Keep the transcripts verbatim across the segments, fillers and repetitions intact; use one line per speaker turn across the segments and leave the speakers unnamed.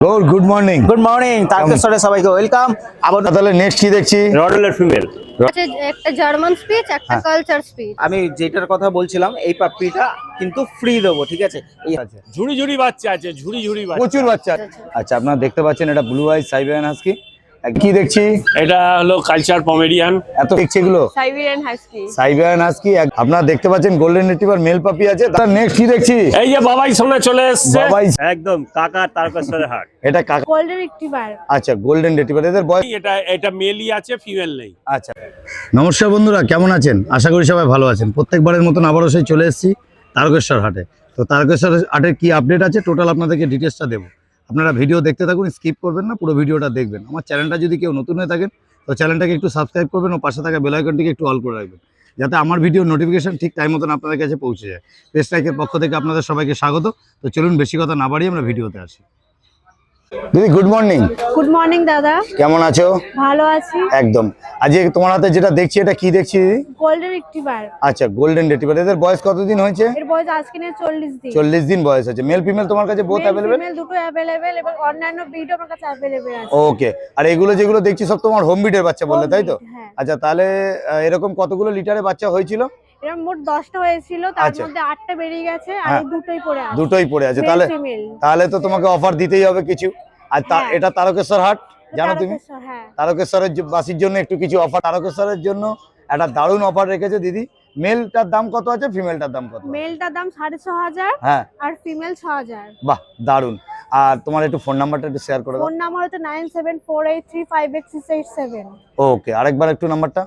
Good good morning
good morning তারকেশ্বরে সবাইকে welcome. আবার
তাহলে নেক্সট কি দেখছি?
রডলের ফিমেল
আছে একটা জার্মান স্পিচ একটা কালচার স্পিচ।
আমি যেটার কথা বলছিলাম এই পাপ্পিটা কিন্তু ফ্রি দেবো, ঠিক আছে? এই আছে
ঝুড়ি ঝুড়ি বাচ্চা আছে, ঝুড়ি ঝুড়ি বাচ্চা।
প্রচুর বাচ্চা। আচ্ছা, আপনারা দেখতে পাচ্ছেন এটা ব্লু আইজ সাইবেরিয়ান হাস্কি। কি দেখছি?
এটা হলো কালচার পমেরিয়ান।
এত দেখছি এগুলো
সাইবেরিয়ান হাস্কি।
Siberian husky. আপনারা দেখতে পাচ্ছেন গোল্ডেন রিট্রিভার মেল পাপি আছে। তার নেক্সট কি দেখছি?
এই যে বাবাই সামনে চলে এসেছে,
বাবাই
একদম কাকা তারকেশ্বরের হাট।
এটা কাকা।
Golden retriever.
আচ্ছা, গোল্ডেন রিট্রিভার। এদের বয়স?
এটা এটা মেলই আছে, ফিমেল নেই।
আচ্ছা, নমস্কার বন্ধুরা, কেমন আছেন? আশা করি সবাই ভালো আছেন। প্রত্যেকবারের মতন আবারও সেই চলে এসেছি তারকেশ্বর হাটে। তো তারকেশ্বর হাটের কি আপডেট আছে টোটাল আপনাদেরকে ডিটেলসটা দেবো। আপনারা ভিডিও দেখতে থাকুন, স্কিপ করবেন না, পুরো ভিডিওটা দেখবেন। আমার চ্যানেলটা যদি কেউ নতুন হয়ে থাকেন তো চ্যানেলটাকে একটু সাবস্ক্রাইব করবেন ও পাশে থাকা বেল আইকনটিকে একটু অল করে রাখবেন, যাতে আমার ভিডিও নোটিফিকেশন ঠিক টাইম মতন আপনাদের কাছে পৌঁছে যায়। পেজ লাইকের পক্ষ থেকে আপনাদের সবাইকে স্বাগত। তো চলুন বেশি কথা না বাড়িয়ে আমরা ভিডিওতে আসি। দিদি গুড মর্নিং।
গুড মর্নিং দাদা।
কেমন আছো?
ভালো আছি।
একদম। আজকে তোমার হাতে যেটা দেখছি এটা কি দেখছি দিদি?
Golden retriever.
আচ্ছা, গোল্ডেন রিট্রিভার। এদের বয়স কতদিন হয়েছে?
এর বয়স আজকে নিয়ে চল্লিশ দিন।
চল্লিশ দিন বয়স আছে। মেল ফিমেল তোমার কাছে বোথ অ্যাভেলেবেল?
মেল দুটো অ্যাভেলেবেল এবং অন্যান্য ব্রিডও আমার কাছে অ্যাভেলেবেল আছে।
ওকে। আর এগুলো যেগুলো দেখছি সব তোমার হোম ব্রিডের বাচ্চা বললে, তাই তো?
হ্যাঁ।
আচ্ছা, তাহলে আহ, এরকম কতগুলো লিটারে বাচ্চা হয়েছিল?
এরকম মোট দশটা হয়েছিল, তার
আচ্ছা।
মধ্যে আটটা বেরিয়ে গেছে আর
হ্যাঁ।
এই দুটোই পড়ে আছে।
দুটোই পড়ে আছে।
Male,
তাহলে
female।
তাহলে তো তোমাকে অফার দিতেই হবে কিছু। আর তা-
হ্যাঁ।
এটা তারকেশ্বর হাট, জানো তুমি?
তারকেশ্বর, হ্যাঁ।
তারকেশ্বরের জ- বাসীর জন্য একটু কিছু অফার। তারকেশ্বরের জন্য একটা দারুণ অফার রেখেছে দিদি। মেলটার দাম কত আছে, ফিমেলটার দাম কত?
মেলটার দাম সাড়ে ছ হাজার
হ্যাঁ,
আর ফিমেল ছ হাজার।
বাহ দারুণ। আর তোমার একটু ফোন নাম্বারটা একটু শেয়ার করে দাও।
ফোন নাম্বার হচ্ছে nine seven four eight three five eight six eight seven.
Okay, আরেকবার একটু নাম্বারটা।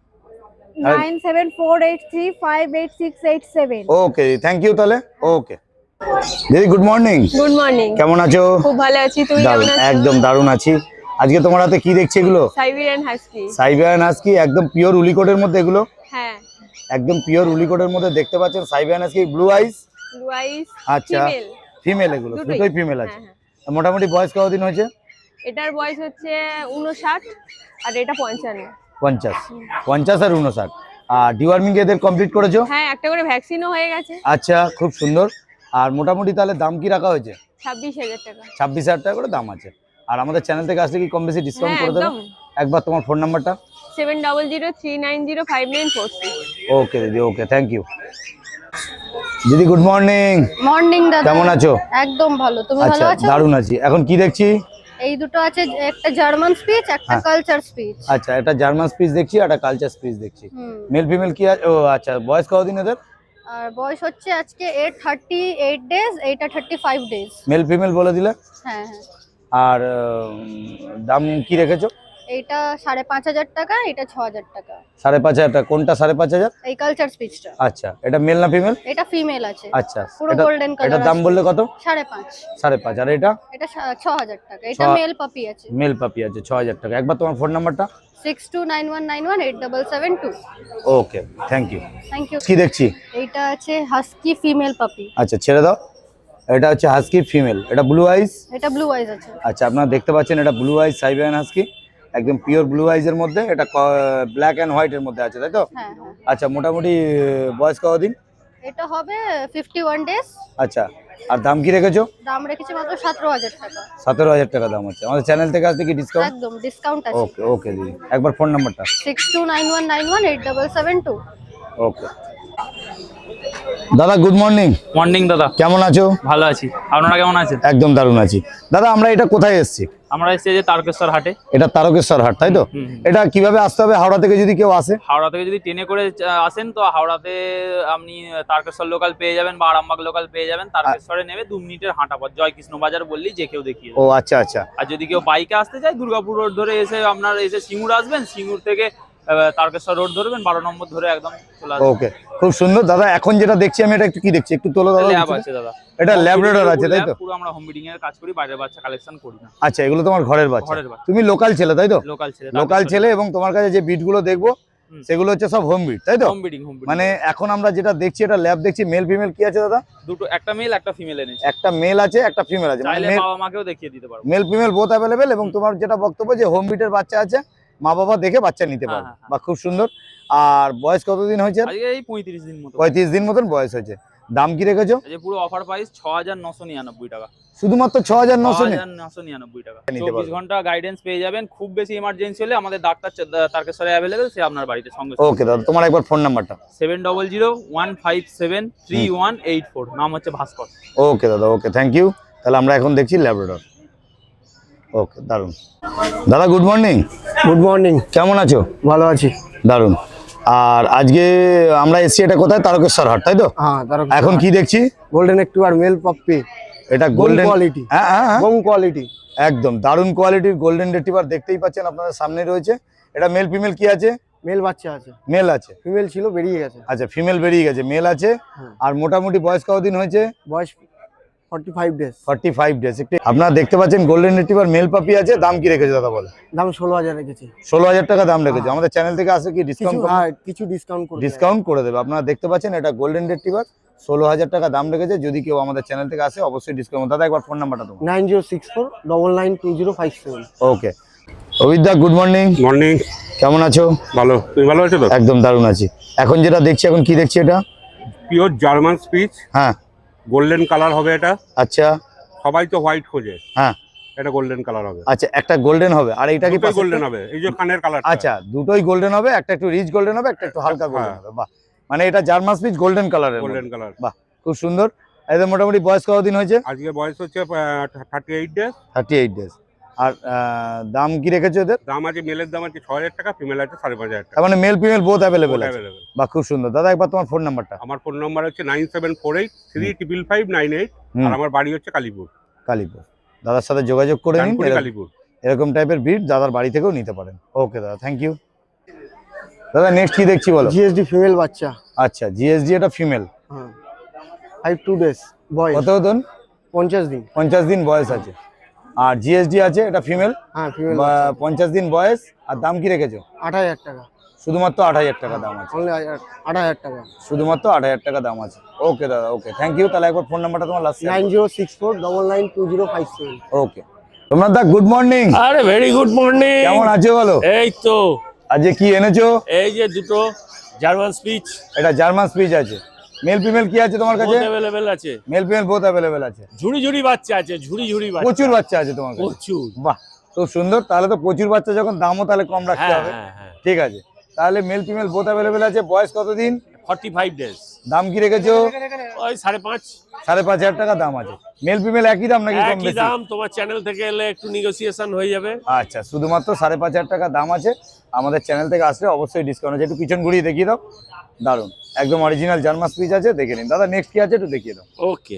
Nine seven four eight three five eight six eight seven.
Okay, thank you তাহলে। ওকে দিদি গুড মর্নিং।
Good morning.
কেমন আছো?
খুব ভালো আছি, তুমি
দারুণ,
কেমন আছো?
একদম দারুণ আছি। আজকে তোমার হাতে কি দেখছি এগুলো?
Siberian husky.
সাইবেরিয়ান হাস্কি, একদম পিওর উলিকোটের মধ্যে এগুলো।
হ্যাঁ।
একদম পিওর উলিকোটের মধ্যে দেখতে পাচ্ছেন Siberian husky blue eyes.
Blue eyes.
আচ্ছা,
ফিমেল।
ফিমেল এগুলো
দুটোই।
দুটোই ফিমেল আছে।
হ্যাঁ,
মোটামুটি বয়স কতদিন হয়েছে?
এটার বয়স হচ্ছে উনষাট আর এটা পঞ্চান্ন।
পঞ্চাশ। পঞ্চাশ আর উনষাট। আর ডিওয়ার্মিং এদের কমপ্লিট করেছো?
হ্যাঁ, একটা করে ভ্যাকসিনও হয়ে গেছে।
আচ্ছা, খুব সুন্দর। আর মোটামুটি তাহলে দাম কি রাখা হয়েছে?
ছাব্বিশ হাজার টাকা।
ছাব্বিশ হাজার টাকা করে দাম আছে। আর আমাদের চ্যানেল থেকে আসলে কি কম বেশি ডিসকাউন্ট
হ্যাঁ,
করে দেবো?
একদম।
একবার তোমার ফোন নাম্বারটা।
Seven double zero three nine zero five nine four six.
Okay দিদি, ওকে, থ্যাংক ইউ। দিদি গুড মর্নিং।
মর্নিং দাদা।
কেমন আছো?
একদম ভালো, তুমি
আচ্ছা,
ভালো আছো?
দারুণ আছি। এখন কি দেখছি?
এই দুটো আছে একটা জার্মান স্পিচ একটা
হ্যাঁ।
Culture spitz.
আচ্ছা, এটা জার্মান স্পিচ দেখছি আর একটা কালচার স্পিচ দেখছি।
হুম।
মেল ফিমেল কি আছে? ও আচ্ছা, বয়স কতদিন এদের?
আর বয়স হচ্ছে আজকে এইট থার্টি এইট ডেজ, এইটা thirty five days.
Male female বলে দিলে।
হ্যাঁ হ্যাঁ।
আর উম, দাম কি রেখেছো?
এইটা সাড়ে পাঁচ হাজার টাকা, এটা ছ হাজার টাকা।
সাড়ে পাঁচ হাজার টাকা। কোনটা সাড়ে পাঁচ হাজার?
এই কালচার স্পিচটা।
আচ্ছা, এটা মেল না ফিমেল?
এটা ফিমেল আছে।
আচ্ছা,
পুরো
এটা-
গোল্ডেন কালার।
এটার দাম বললে কত?
সাড়ে পাঁচ।
সাড়ে পাঁচ। আর এটা
এটা সা- ছ হাজার টাকা। এটা
ছ-
মেল পাপি আছে।
মেল পাপি আছে, ছ হাজার টাকা। একবার তোমার ফোন নাম্বারটা।
Six two nine one nine one eight double seven two.
Okay, thank you.
Thank you.
কি দেখছি?
এইটা আছে হাস্কি ফিমেল পাপি।
আচ্ছা, ছেড়ে দাও। এটা হচ্ছে হাস্কি ফিমেল। এটা ব্লু আইস।
এটা ব্লু আইজ আছে।
আচ্ছা, আপনারা দেখতে পাচ্ছেন এটা ব্লু আইস সাইবেরিয়ান হাস্কি, একদম পিওর ব্লু আইজের মধ্যে। এটা ব্ল্যাক অ্যান্ড হোয়াইট এর মধ্যে আছে, তাই তো?
হ্যাঁ হ্যাঁ।
আচ্ছা, মোটামুটি আহ, বয়স কতদিন?
এটা হবে ফিফটি ওয়ান ডেজ।
আচ্ছা, আর দাম কি রেখেছো?
দাম রেখেছি মাত্র সতেরো হাজার টাকা।
সতেরো হাজার টাকা দাম আছে। আমাদের চ্যানেল থেকে আসলে কি ডিসকাউন্ট?
একদম ডিসকাউন্ট আছে।
ওকে ওকে দিদি, একবার ফোন নাম্বারটা।
Six two nine one nine one eight double seven two.
Okay দাদা গুড মর্নিং।
মর্নিং দাদা,
কেমন আছো?
ভালো আছি। আপনারা কেমন আছেন?
একদম দারুণ আছি। দাদা আমরা এটা কোথায় এসেছি?
আমরা এসেছি যে তারকেশ্বর হাটে।
এটা তারকেশ্বর হাট, তাই তো?
হুম, হুম।
এটা কিভাবে আসতে হবে হাওড়া থেকে যদি কেউ আসে?
হাওড়া থেকে যদি ট্রেনে করে আহ, আসেন তো হাওড়াতে আপনি তারকেশ্বর লোকাল পেয়ে যাবেন বা আরামবাগ লোকাল পেয়ে যাবেন। তারকেশ্বরে নেমে দু মিনিটের হাঁটা পথ। জয় কৃষ্ণ বাজার বললি যে কেউ দেখিয়ে
ও
দেবে।
আচ্ছা আচ্ছা।
আর যদি কেউ বাইকে আসতে চায় দুর্গাপুর রোড ধরে এসে আপনার এসে সিঙ্গুর আসবেন, সিঙ্গুর থেকে আহ, তারকেশ্বর রোড ধরবেন, বারো নম্বর ধরে একদম চলে আসবেন।
ওকে, খুব সুন্দর। দাদা এখন যেটা দেখছি আমি, এটা একটু কি দেখছি একটু তোলো দাদা।
ল্যাব আছে দাদা।
এটা ল্যাবরেটর আছে, তাই তো?
পুরো আমরা হোম ব্রিডিং এর কাজ করি, বাইরের বাচ্চা কালেকশন করি না।
আচ্ছা, এগুলো তোমার ঘরের বাচ্চা।
ঘরের বাচ্চা।
তুমি লোকাল ছেলে, তাই তো?
লোকাল ছেলে।
লোকাল ছেলে, এবং তোমার কাছে যে বিট গুলো দেখবো
হুম।
সেগুলো হচ্ছে সব হোম বিট, তাই তো?
Home breeding, home breeding.
মানে এখন আমরা যেটা দেখছি এটা ল্যাব দেখছি। মেল ফিমেল কি আছে দাদা?
দুটো, একটা মেল একটা ফিমেল এনেছি।
একটা মেল আছে একটা ফিমেল আছে।
চাইলে বাবা মাকেও দেখিয়ে দিতে পারবো।
Male female both available. এবং তোমার যেটা বক্তব্য যে হোম বিটের বাচ্চা আছে, মা বাবা দেখে বাচ্চা নিতে
হ্যাঁ,
পারবে।
হ্যাঁ,
বা খুব সুন্দর। আর বয়স কতদিন হয়েছে?
আজকে এই পঁয়ত্রিশ দিন মতো।
পঁয়ত্রিশ দিন মতন বয়স হয়েছে। দাম কি রেখেছো?
এই যে পুরো অফার প্রাইস ছ হাজার নশো নিরানব্বই টাকা,
শুধুমাত্র ছ হাজার নশো
নশো নিরানব্বই টাকা।
নিতে
চব্বিশ
পারবেন।
ঘন্টা গাইডেন্স পেয়ে যাবেন। খুব বেশি ইমার্জেন্সি হলে আমাদের ডাক্তার চ- তারকেশ্বরে অ্যাভেলেবেল, সে আপনার বাড়িতে সঙ্গে
ওকে দাদা, তোমার একবার ফোন নাম্বারটা।
Seven double zero one five seven three one eight four, নাম হচ্ছে ভাস্কর।
ওকে দাদা, ওকে, থ্যাংক ইউ। তাহলে আমরা এখন দেখছি ল্যাব্রাডর। ওকে, দারুন। দাদা গুড মর্নিং।
Good morning.
কেমন আছো?
ভালো আছি।
দারুন। আর আজকে আমরা এসছি এটা কোথায়? তারকেশ্বর হাট, তাই তো?
হ্যাঁ, তার
এখন কি দেখছি?
গোল্ডেন একটু আর মেল পাপ্পি,
এটা
গোল্ডেন
গোল্ডেন
কোয়ালিটি।
হ্যাঁ হ্যাঁ হ্যাঁ,
বং কোয়ালিটি,
একদম দারুন কোয়ালিটির গোল্ডেন রেটিভার দেখতেই পাচ্ছেন, আপনাদের সামনে রয়েছে। এটা মেল ফিমেল কি আছে?
মেল বাচ্চা আছে,
মেল আছে।
ফিমেল ছিল বেরিয়ে গেছে।
আচ্ছা, ফিমেল বেরিয়ে গেছে, মেল আছে।
হ্যাঁ।
আর মোটামুটি বয়স কতদিন হয়েছে?
বয়স forty five days.
Forty five days. একটু আপনারা দেখতে পাচ্ছেন গোল্ডেন রেটিভার মেল পাপি আছে। দাম কি রেখেছে দাদা বলে?
দাম ষোলো হাজার রেখেছি।
ষোলো হাজার টাকা দাম রেখেছে।
হ্যাঁ।
আমাদের চ্যানেল থেকে আসে কি
কিছু
ডিসকাউন্ট?
হ্যাঁ, কিছু ডিসকাউন্ট করে
ডিসকাউন্ট করে দেবে। আপনারা দেখতে পাচ্ছেন এটা গোল্ডেন রেটিভার, ষোলো হাজার টাকা দাম রেখেছে। যদি কেউ আমাদের চ্যানেল থেকে আসে অবশ্যই ডিসকাউন্ট। দাদা একবার ফোন নাম্বারটা তোমার।
Nine zero six four double nine two zero five seven.
Okay, অভিদা গুড মর্নিং।
মর্নিং।
কেমন আছো?
ভালো, তুমি ভালো আছো তো?
একদম দারুণ আছি। এখন যেটা দেখছি, এখন কি দেখছি এটা?
পিওর জার্মান স্পিচ,
হ্যাঁ।
গোল্ডেন কালার হবে এটা।
আচ্ছা।
সবাই তো হোয়াইট খোঁজে,
হ্যাঁ।
এটা গোল্ডেন কালার হবে।
আচ্ছা, একটা গোল্ডেন হবে আর এইটা কি
গোল্ডেন হবে, এই যে কানের কালার।
আচ্ছা, দুটোই গোল্ডেন হবে, একটা একটু রিচ গোল্ডেন হবে, একটা একটু হালকা গোল্ডেন
হ্যাঁ।
হবে। বাহ, মানে এটা জার্মান স্পিচ গোল্ডেন কালারের।
গোল্ডেন কালার,
বাহ, খুব সুন্দর। এদের মোটামুটি বয়স কতদিন হয়েছে?
আজকে বয়স হচ্ছে thirty eight days.
Thirty eight days. আর আহ, দাম কি রেখেছো এদের?
দাম আছে, মেলের দাম আছে ছ হাজার টাকা, ফিমেল আছে সাড়ে পাঁচ হাজার টাকা।
তার মানে মেল ফিমেল বোথ অ্যাভেলেবেল আছে।
Available।
বাহ, খুব সুন্দর। দাদা একবার তোমার ফোন নাম্বারটা।
আমার ফোন নাম্বার হচ্ছে nine seven four eight three triple five nine eight,
হুম।
আর আমার বাড়ি হচ্ছে কালীপুর।
কালীপুর। দাদার সাথে যোগাযোগ করে নিন,
ডানকুনি
এরকম-
কালীপুর।
এরকম টাইপের ব্রিড দাদার বাড়ি থেকেও নিতে পারেন। ওকে দাদা, থ্যাংক ইউ। দাদা নেক্সট কি দেখছি বলো?
জিএসডি ফিমেল বাচ্চা।
আচ্ছা, জিএসডি এটা ফিমেল।
হ্যাঁ, ফাইভ টু ডেজ বয়স।
কত হতন?
পঞ্চাশ দিন।
পঞ্চাশ দিন বয়স আছে। আর জিএসডি আছে, এটা ফিমেল,
হ্যাঁ, ফিমেল
পঞ্চাশ দিন বয়স। আর দাম কি রেখেছো?
আট হাজার টাকা।
শুধুমাত্র আট হাজার টাকা দাম আছে।
অনলি আট হাজার টাকা।
শুধুমাত্র আট হাজার টাকা দাম আছে। ওকে দাদা, ওকে, থ্যাংক ইউ। তাহলে একবার ফোন নাম্বারটা তোমার last.
Nine zero six four double nine two zero five seven.
Okay. তোমরা দা গুড মর্নিং।
আরে ভেরি গুড মর্নিং।
কেমন আছো বলো?
এই তো
আজকে কি এনেছো?
এই যে দুটো জার্মান স্পিচ
এটা জার্মান স্পিচ আছে। মেল ফিমেল কি আছে তোমার কাছে?
অ্যাভেলেবেল আছে।
মেল ফিমেল বোথ অ্যাভেলেবেল আছে।
ঝুড়ি ঝুড়ি বাচ্চা আছে, ঝুড়ি ঝুড়ি বাচ্চা।
প্রচুর বাচ্চা আছে তোমার কাছে?
প্রচুর।
বাহ, খুব সুন্দর। তাহলে তো প্রচুর বাচ্চা, যখন দামও তাহলে কম রাখতে
হ্যাঁ
হবে।
হ্যাঁ হ্যাঁ।
ঠিক আছে, তাহলে মেল ফিমেল বোথ অ্যাভেলেবেল আছে। বয়স কতদিন?
Forty five days.
দাম কি রেখেছো?
ওই সাড়ে পাঁচ।
সাড়ে পাঁচ হাজার টাকা দাম আছে। মেল ফিমেল একই দাম নাকি কম
একই
বেশি?
দাম, তোমার চ্যানেল থেকে এলে একটু নেগোসিয়েশন হয়ে যাবে।
আচ্ছা, শুধুমাত্র সাড়ে পাঁচ হাজার টাকা দাম আছে। আমাদের চ্যানেল থেকে আসলে অবশ্যই ডিসকাউন্ট আছে। একটু পিছন ঘুরিয়ে দেখিয়ে দাও। দারুন, একদম অরিজিনাল জার্মান স্পিচ আছে, দেখে নিন। দাদা নেক্সট কি আছে একটু দেখিয়ে দাও।
ওকে,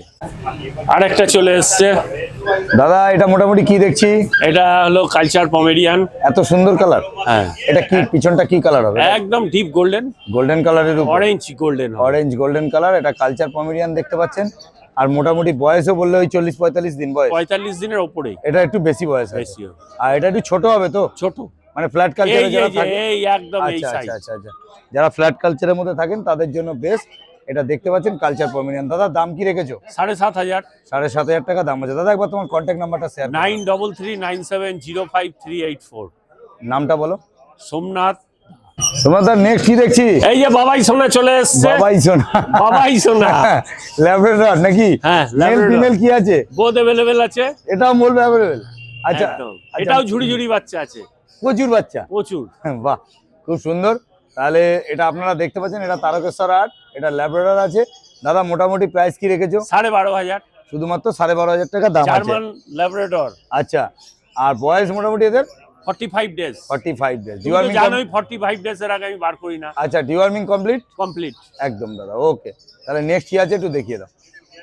আরেকটা চলে এসছে।
দাদা এটা মোটামুটি কি দেখছি?
এটা হলো কালচার পমেরিয়ান।
এত সুন্দর কালার।
হ্যাঁ,
এটা কি পিছনটা কি কালার হবে?
একদম ডিপ গোল্ডেন,
গোল্ডেন কালারের উপর
orange golden.
Orange golden colour. এটা কালচার পমেরিয়ান দেখতে পাচ্ছেন। আর মোটামুটি বয়সও বললে ওই চল্লিশ পঁয়তাল্লিশ দিন বয়স।
পঁয়তাল্লিশ দিনের ওপরেই
এটা একটু বেশি বয়স আছে।
বেশি হবে।
আর এটা একটু ছোট হবে তো,
ছোট,
মানে ফ্ল্যাট কালচারে
এই
যারা
এই যে
থাকে।
এই একদম এই
আচ্ছা
সাইজ।
আচ্ছা আচ্ছা আচ্ছা, যারা ফ্ল্যাট কালচারের মধ্যে থাকেন তাদের জন্য বেস্ট। এটা দেখতে পাচ্ছেন কালচার পমেরিয়ান। দাদা দাম কি রেখেছো?
সাড়ে সাত হাজার।
সাড়ে সাত হাজার টাকা দাম আছে। দাদা একবার তোমার কন্ট্যাক্ট নাম্বারটা share.
Nine double three nine seven zero five three eight four.
নামটা বলো।
সোমনাথ।
তোমার দাদা নেক্সট কি দেখছি?
এই যে বাবাই সোনা চলে এসছে।
বাবাই সোনা।
বাবাই সোনা।
ল্যাব্রাডর নাকি?
হ্যাঁ,
মেল
Labrador।
ফিমেল কি আছে?
বোথ অ্যাভেলেবেল আছে।
এটাও বলবে অ্যাভেলেবেল? আচ্ছা,
একদম।
আচ্ছা।
এটাও ঝুড়ি ঝুড়ি বাচ্চা আছে,
প্রচুর বাচ্চা।
প্রচুর।
বাহ, খুব সুন্দর। তাহলে এটা আপনারা দেখতে পাচ্ছেন, এটা তারকেশ্বর হাট, এটা ল্যাব্রাডর আছে। দাদা মোটামুটি প্রাইস কি রেখেছো?
সাড়ে বারো হাজার।
শুধুমাত্র সাড়ে বারো হাজার টাকা দাম আছে।
German Labrador.
আচ্ছা, আর বয়স মোটামুটি এদের
forty five days.
Forty five days.
তুমি তো জানোই ফর্টি ফাইভ ডেজ এর আগে আমি বার করি না।
আচ্ছা, ডিওয়ার্মিং কমপ্লিট?
কমপ্লিট
একদম দাদা, ওকে। তাহলে নেক্সট কি আছে একটু দেখিয়ে দাও।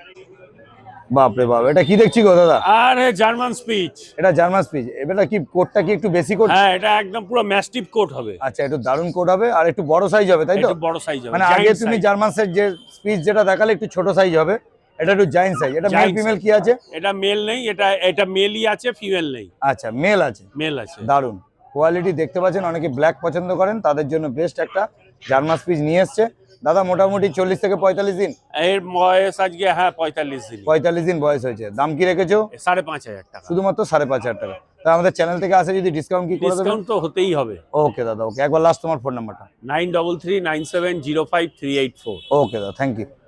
বাপরে বাপ, এটা কি দেখছি গো দাদা?
আরে জার্মান স্পিচ।
এটা জার্মান স্পিচ। এটা কি কোটটা কি একটু বেশি কোট?
হ্যাঁ, এটা একদম পুরো ম্যাস্টিভ কোট হবে।
আচ্ছা, একটু দারুণ কোট হবে আর একটু বড় সাইজ হবে, তাই তো?
একটু বড় সাইজ হবে।
মানে আগে তুমি জার্মান সাইজ যে স্পিচ যেটা দেখালে একটু ছোট সাইজ হবে, এটা একটু জায়ান্ট সাইজ। এটা মেল
Giant
ফিমেল
size।
কি আছে?
এটা মেল নেই, এটা এটা মেলই আছে, ফিমেল নেই।
আচ্ছা, মেল আছে।
মেল আছে।
দারুণ কোয়ালিটি দেখতে পাচ্ছেন। অনেকে ব্ল্যাক পছন্দ করেন, তাদের জন্য বেস্ট একটা জার্মান স্পিচ নিয়ে এসছে। দাদা মোটামুটি চল্লিশ থেকে পঁয়তাল্লিশ দিন।
এর বয়স আজকে হ্যাঁ পঁয়তাল্লিশ দিন।
পঁয়তাল্লিশ দিন বয়স হয়েছে। দাম কি রেখেছো?
সাড়ে পাঁচ হাজার টাকা।
শুধুমাত্র সাড়ে পাঁচ হাজার টাকা। তা আমাদের চ্যানেল থেকে আসে যদি ডিসকাউন্ট কি করে দেবেন?
ডিসকাউন্ট তো হতেই হবে।
ওকে দাদা, ওকে। একবার লাস্ট তোমার ফোন নাম্বারটা।
Nine double three nine seven zero five three eight four.
Okay দাদা, থ্যাংক ইউ।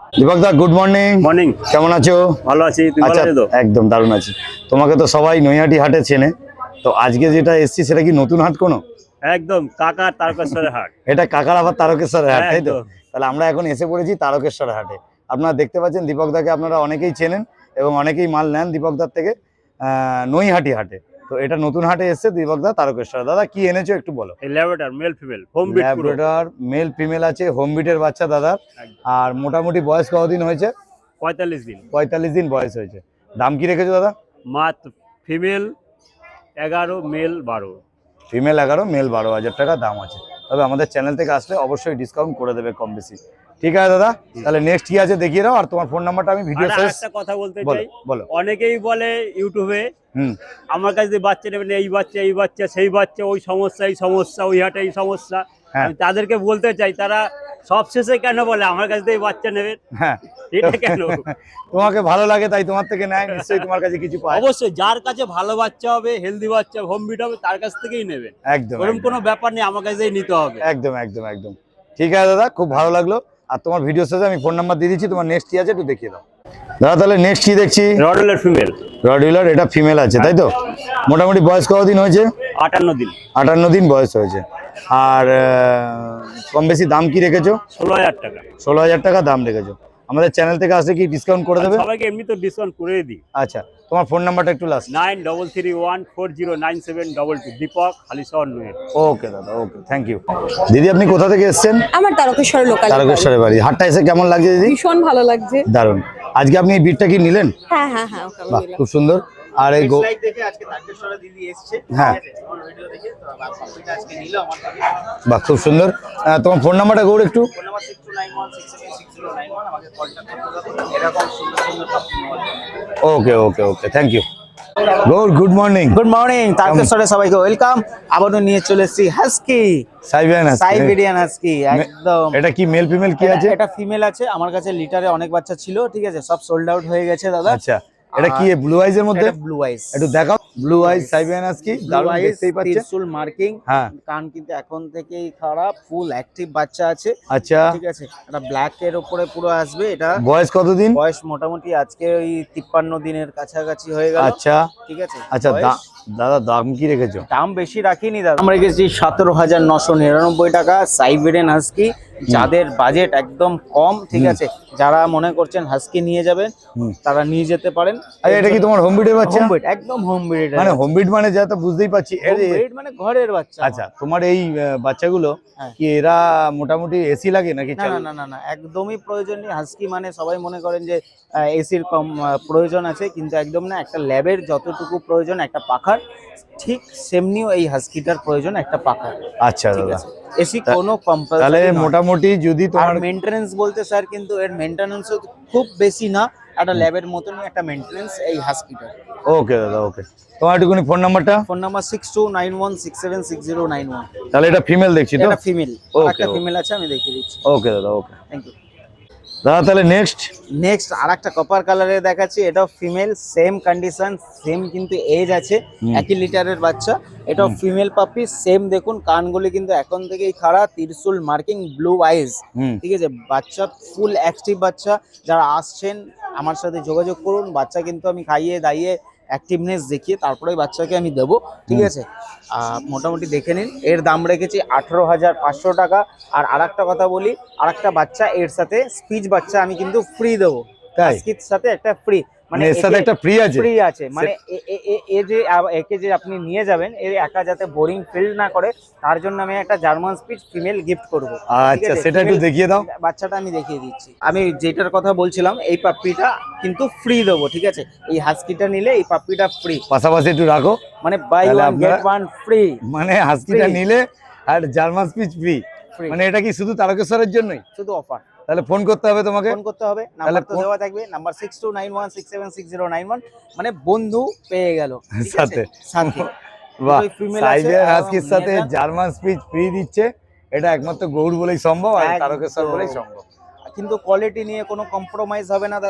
দীপক দা গুড মর্নিং।
মর্নিং।
কেমন আছো?
ভালো আছি, তুমি ভালো
আচ্ছা
আছো তো?
একদম দারুণ আছি। তোমাকে তো সবাই নৈহাটি হাটে চেনে, তো আজকে যেটা এসছি সেটা কি নতুন হাট কোনো?
একদম কাকার তারকেশ্বরের হাট।
এটা কাকার আবার তারকেশ্বরের হাট, তাই তো?
একদম।
তাহলে আমরা এখন এসে পড়েছি তারকেশ্বর হাটে। আপনারা দেখতে পাচ্ছেন দীপক দাকে আপনারা অনেকেই চেনেন এবং অনেকেই মাল নেন দীপক দার থেকে আহ, নৈহাটি হাটে। তো এটা নতুন হাটে এসছে দীপক দা তারকেশ্বর। দাদা কি এনেছো একটু বলো।
এই Labrador male female home bit পুরো।
ল্যাব্রাডর মেল ফিমেল আছে, হোম বিটের বাচ্চা দাদা।
একদম।
আর মোটামুটি বয়স কতদিন হয়েছে?
পঁয়তাল্লিশ দিন।
পঁয়তাল্লিশ দিন বয়স হয়েছে। দাম কি রেখেছো দাদা?
মাত্র ফিমেল এগারো মেল বারো।
ফিমেল এগারো মেল বারো হাজার টাকা দাম আছে। তবে আমাদের চ্যানেল থেকে আসলে অবশ্যই ডিসকাউন্ট করে দেবে কম বেশি। ঠিক আছে দাদা, তাহলে নেক্সট কি আছে দেখিয়ে দাও। আর তোমার ফোন নাম্বারটা আমি ভিডিও
আর
শেষ
একটা কথা বলতে
বলো
চাই,
বলো।
অনেকেই বলে ইউটিউবে
হুম
আমার কাছে যে বাচ্চা নেবেন, এই বাচ্চা এই বাচ্চা সেই বাচ্চা, ওই সমস্যা এই সমস্যা, ওই হাটে এই সমস্যা।
হ্যাঁ।
আমি তাদেরকে বলতে চাই, তারা সবশেষে কেন বলে আমার কাছে এই বাচ্চা নেবেন,
হ্যাঁ
এটা কেন?
তোমাকে ভালো লাগে তাই তোমার থেকে নেয়, নিশ্চয়ই তোমার কাছে কিছু পায়।
অবশ্যই যার কাছে ভালো বাচ্চা হবে, হেলদি বাচ্চা, হোম বিট হবে, তার কাছ থেকেই নেবেন।
একদম
ওরকম
একদম,
কোনো ব্যাপার নেই, আমার কাছেই নিতে হবে।
একদম একদম একদম ঠিক আছে দাদা, খুব ভালো লাগলো। আর তোমার ভিডিও শেষে আমি ফোন নাম্বার দিয়ে দিচ্ছি, তোমার নেক্সট কি আছে একটু দেখিয়ে দাও দাদা। তাহলে নেক্সট কি দেখছি?
রডলের ফিমেল।
রডউইলার, এটা ফিমেল আছে তাই তো? মোটামুটি বয়স কতদিন হয়েছে?
আটান্ন দিন।
আটান্ন দিন বয়স হয়েছে। আর আহ, কম বেশি দাম কি রেখেছো?
ষোলো হাজার টাকা।
ষোলো হাজার টাকা দাম রেখেছো। আমাদের চ্যানেল থেকে আসলে কি ডিসকাউন্ট করে দেবে?
সবাইকে এমনি তো ডিসকাউন্ট করে দিই।
আচ্ছা, তোমার ফোন নাম্বারটা একটু last.
Nine double three one four zero nine seven double two. Deepak Halisahar নয়।
ওকে দাদা, ওকে, থ্যাংক ইউ। দিদি আপনি কোথা থেকে এসেছেন?
আমার তারকেশ্বর লোকাল।
তারকেশ্বরের বাড়ি। হাটটা এসে কেমন লাগছে দিদি?
ভীষণ ভালো লাগছে।
দারুণ। আজকে আপনি এই বিটটা কি নিলেন?
হ্যাঁ হ্যাঁ হ্যাঁ, ওকে আমি
বাহ,
নিলাম।
খুব সুন্দর। আর এই গো
লাইট দেখে আজকে তারকেশ্বরে দিদি এসেছে,
হ্যাঁ।
ঠিক আছে? আমার ভিডিও দেখে তো পাপিটা আজকে নিল আমার থেকে।
বাহ, খুব সুন্দর। আহ, তোমার ফোন নাম্বারটা গৌড় একটু।
Phone number six two nine one six seven six zero nine one, আমাকে কন্ট্যাক্ট করতে হবে এরকম সুন্দর সুন্দর পাপি নেওয়ার জন্য।
Okay okay okay, thank you Gour. Good morning.
Good morning, তারকেশ্বরে সবাইকে ওয়েলকাম। আবারও নিয়ে চলে এসেছি husky,
Siberian husky.
Siberian husky, একদম।
এটা কি মেল ফিমেল কি আছে?
এটা- এটা ফিমেল আছে, আমার কাছে লিটারে অনেক বাচ্চা ছিল, ঠিক আছে? সব সোল্ড আউট হয়ে গেছে দাদা।
আচ্ছা, এটা কি ব্লু আইজ এর মধ্যে?
ব্লু আইস,
একটু দেখাও। ব্লু আইজ সাইবেরিয়ান হাস্কি, দারুণ দেখতেই পাচ্ছেন।
ত্রিশূল মার্কিং,
হ্যাঁ
কান কিন্তু এখন থেকেই খারাপ, ফুল অ্যাক্টিভ বাচ্চা আছে,
আচ্ছা।
ঠিক আছে? এটা ব্ল্যাক এর উপরে পুরো আসবে। এটা
বয়স কতদিন?
বয়স মোটামুটি আজকে ওই তিপ্পান্ন দিনের কাছাকাছি হয়ে গেল,
আচ্ছা
ঠিক আছে?
আচ্ছা,
বয়স-
দা- দাদা দাম কি রেখেছো?
দাম বেশি রাখিনি দাদা, আমরা রেখেছি সতেরো হাজার নশো নিরানব্বই টাকা। সাইবেরিয়ান হাস্কি, যাদের বাজেট একদম কম, ঠিক আছে, যারা মনে করছেন হাস্কি নিয়ে যাবেন
হুম।
তারা নিয়ে যেতে পারেন।
আরে এটা কি তোমার হোম বিটের বাচ্চা?
হোম ব্রিড, একদম হোম ব্রিড।
মানে হোম বিট মানে যা তো বুঝতেই পারছি। এর-
মানে ঘরের বাচ্চা।
আচ্ছা, তোমার এই আহ, বাচ্চাগুলো
হ্যাঁ।
কি এরা মোটামুটি এসি লাগে নাকি?
না না না না না, একদমই প্রয়োজন নেই। হাস্কি মানে সবাই মনে করেন যে এসির কম আহ, প্রয়োজন আছে, কিন্তু একদম না। একটা ল্যাবের যতটুকু প্রয়োজন একটা পাখার, ঠিক সেমনিও এই হাস্কিটার প্রয়োজন একটা পাখার।
আচ্ছা
ঠিক
দাদা,
আছে, এসি
তা-
কোনো
তাহলে
কম্পালসারি নয়।
মোটামুটি যদি
আর
তোমার
মেইনটেনেন্স বলতে স্যার, কিন্তু এর মেইনটেনেন্সও খুব বেশি না, একটা ল্যাবের মতনই একটা মেইনটেনেন্স এই হাস্কিটার।
ওকে দাদা, ওকে। তোমার একটুখানি ফোন নাম্বারটা।
Phone number six two nine one six seven six zero nine one.
তাহলে এটা ফিমেল দেখছি তো?
এটা ফিমেল,
Okay,
একটা
okay.
ফিমেল আছে, আমি দেখিয়ে দিচ্ছি।
ওকে দাদা, ওকে
থ্যাংক ইউ।
দাদা। তাহলে নেক্সট
নেক্সট আর একটা কপার কালারে দেখাচ্ছি, এটাও ফিমেল, সেম কন্ডিশন, সেম কিন্তু এজ আছে,
হুম।
একই লিটারের বাচ্চা। এটাও ফিমেল পাপি, সেম দেখুন কানগুলি কিন্তু এখন থেকেই খাড়া, ত্রিশূল মার্কিং, ব্লু আইজ,
হুম
ঠিক আছে? বাচ্চা ফুল অ্যাক্টিভ বাচ্চা। যারা আসছেন আমার সাথে যোগাযোগ করুন, বাচ্চা কিন্তু আমি খাইয়ে দাইয়ে অ্যাক্টিভনেস দেখিয়ে তারপরে বাচ্চাকে আমি দেবো, ঠিক আছে? আহ, মোটামুটি দেখে নিন। এর দাম রেখেছি আঠেরো হাজার পাঁচশো টাকা। আর আরেকটা কথা বলি, আরেকটা বাচ্চা এর সাথে স্পিচ বাচ্চা আমি কিন্তু ফ্রি দেবো।
তাই?
আজকের সাথে একটা ফ্রি,
মানে এর সাথে একটা ফ্রি আছে?
ফ্রি আছে, মানে এ- এ- এ- এ যে আ- একে যে আপনি নিয়ে যাবেন, এর একা যাতে বোরিং ফিল না করে, তার জন্য আমি একটা জার্মান স্পিচ ফিমেল গিফট করবো।
আচ্ছা, সেটা একটু দেখিয়ে দাও।
বাচ্চাটা আমি দেখিয়ে দিচ্ছি। আমি যেটার কথা বলছিলাম, এই পাপ্পিটা কিন্তু ফ্রি দেবো, ঠিক আছে? এই হাস্কিটা নিলে এই পাপ্পিটা ফ্রি,
পাশাপাশি একটু রাখো।
মানে বাই
তাহলে
ওয়ান
আপনারা-
গেট ওয়ান ফ্রি।
মানে হাস্কিটা
Free।
নিলে আর জার্মান স্পিচ ফ্রি।
Free।
মানে এটা কি শুধু তারকেশ্বরের জন্যই?
শুধু অফার।
তাহলে ফোন করতে হবে তোমাকে।
ফোন করতে হবে, নাম্বার তো
ফোন-
দেওয়া থাকবে, number six two nine one six seven six zero nine one. মানে বন্ধু পেয়ে গেল, ঠিক আছে?
সাথে।
সাথে
বাহ,
দুটোই female আছে,
সাইবেরিয়ান
এবং
হাস্কির সাথে
নিয়ে যান।
জার্মান স্পিচ ফ্রি দিচ্ছে। এটা একমাত্র গৌড় বলেই সম্ভব, আর
একদম।
তারকেশ্বর বলেই সম্ভব।
কিন্তু কোয়ালিটি নিয়ে কোনো কম্প্রোমাইজ হবে না দাদা।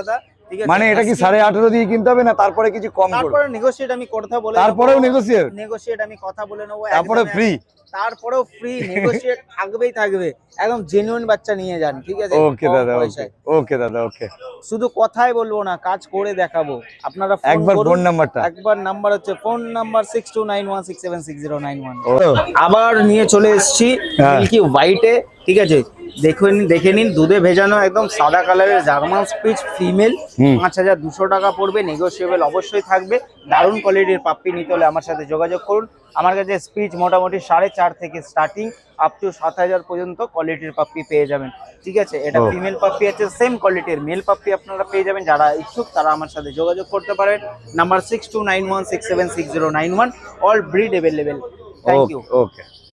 ঠিক আছে
মানে এটা কি সাড়ে আঠেরো দিয়ে কিনতে হবে না তারপরে কিছু কম করবে?
তারপরে নেগোশিয়েট আমি কথা বলে
তারপরেও negotiate?
নেগোশিয়েট আমি কথা বলে নেবো
তারপরে
একদম
ফ্রি?
তারপরেও ফ্রি নেগোশিয়েট থাকবেই থাকবে একদম জেনুইন বাচ্চা নিয়ে যান ঠিক আছে
ওকে
কম
দাদা, ওকে
পয়সায়।
ওকে দাদা, ওকে।
শুধু কথাই বলবো না, কাজ করে দেখাবো। আপনারা phone
একবার
করুন।
ফোন নাম্বারটা।
একবার নাম্বার হচ্ছে phone number six two nine one six seven six zero nine one.
ও,
আবার নিয়ে চলে এসেছি
হ্যাঁ।
মিল্কি হোয়াইটে, ঠিক আছে? দেখুন, দেখে নিন, দুধে ভেজানো একদম সাদা কালারের জার্মান স্পিচ ফিমেল,
হুম।
পাঁচ হাজার দুশো টাকা পড়বে, নেগোসিয়েবল অবশ্যই থাকবে। দারুণ কোয়ালিটির পাপ্পি নিতে হলে আমার সাথে যোগাযোগ করুন। আমার কাছে স্পিচ মোটামুটি সাড়ে চার থেকে স্টার্টিং আপ টু সাত হাজার পর্যন্ত কোয়ালিটির পাপ্পি পেয়ে যাবেন, ঠিক আছে? এটা
ও।
ফিমেল পাপ্পি আছে, সেম কোয়ালিটির মেল পাপ্পি আপনারা পেয়ে যাবেন। যারা ইচ্ছুক তারা আমার সাথে যোগাযোগ করতে পারেন। Number six two nine one six seven six zero nine one, all breed available. Thank you.
Okay.